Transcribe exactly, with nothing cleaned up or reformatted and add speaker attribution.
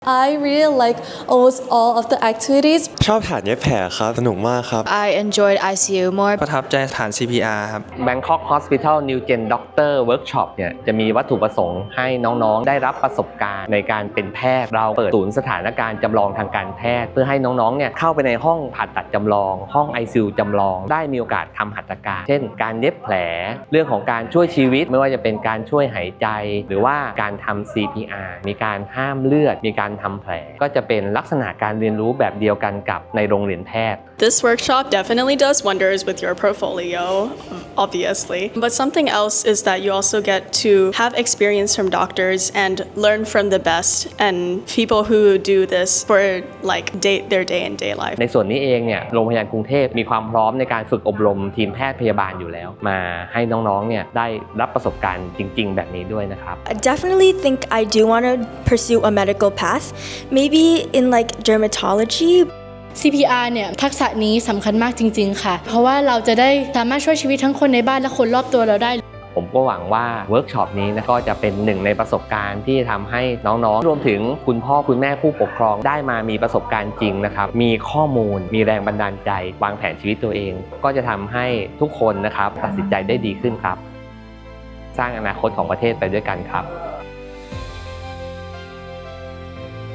Speaker 1: I really like almost all of the activities.
Speaker 2: ชอบฐานเย็บแผลครับสนุกมากครับ
Speaker 3: I enjoyed ไอ ซี ยู more
Speaker 4: ประทับใจฐาน ซี พี อาร์ ครับ
Speaker 5: Bangkok Hospital New Gen Doctor Workshop เนี่ยจะมีวัตถุประสงค์ให้น้องๆได้รับประสบการณ์ในการเป็นแพทย์เราเปิดศูนย์สถานการณ์จำลองทางการแพทย์เพื่อให้น้องๆเนี่ยเข้าไปในห้องผ่าตัดจำลองห้อง ไอ ซี ยู จำลองได้มีโอกาสทำหัตถการเช่นการเย็บแผลเรื่องของการช่วยชีวิตไม่ว่าจะเป็นการช่วยหายใจหรือว่าการทำ ซี พี อาร์ มีการห้ามเลือดมีการทำแผลก็จะเป็นลักษณะการเรียนรู้แบบเดียวกันกับในโรงเรียนแพทย์
Speaker 6: This workshop definitely does wonders with your portfolio, obviously. But something else is that you also get to have experience from doctors and learn from the best and people who do this for like day, their day and day life.
Speaker 5: ในส่วนนี้เองเนี่ยโรงพยาบาลกรุงเทพมีความพร้อมในการฝึกอบรมทีมแพทย์พยาบาลอยู่แล้วมาให้น้องๆเนี่ยได้รับประสบการณ์จริงๆแบบนี้ด้วยนะครับ
Speaker 7: I definitely think I do want to pursue a medical path, maybe in like dermatology.
Speaker 8: ซี พี อาร์ เนี่ยทักษะนี้สำคัญมากจริงๆค่ะเพราะว่าเราจะได้สามารถช่วยชีวิตทั้งคนในบ้านและคนรอบตัวเราได้
Speaker 5: ผมก็หวังว่าเวิร์กช็อปนี้นะก็จะเป็นหนึ่งในประสบการณ์ที่ทำให้น้องๆรวมถึงคุณพ่อคุณแม่ผู้ปกครองได้มามีประสบการณ์จริงนะครับมีข้อมูลมีแรงบันดาลใจวางแผนชีวิตตัวเองก็จะทำให้ทุกคนนะครับตัดสินใจได้ดีขึ้นครับสร้างอนาคตของประเทศไปด้วยกันครับ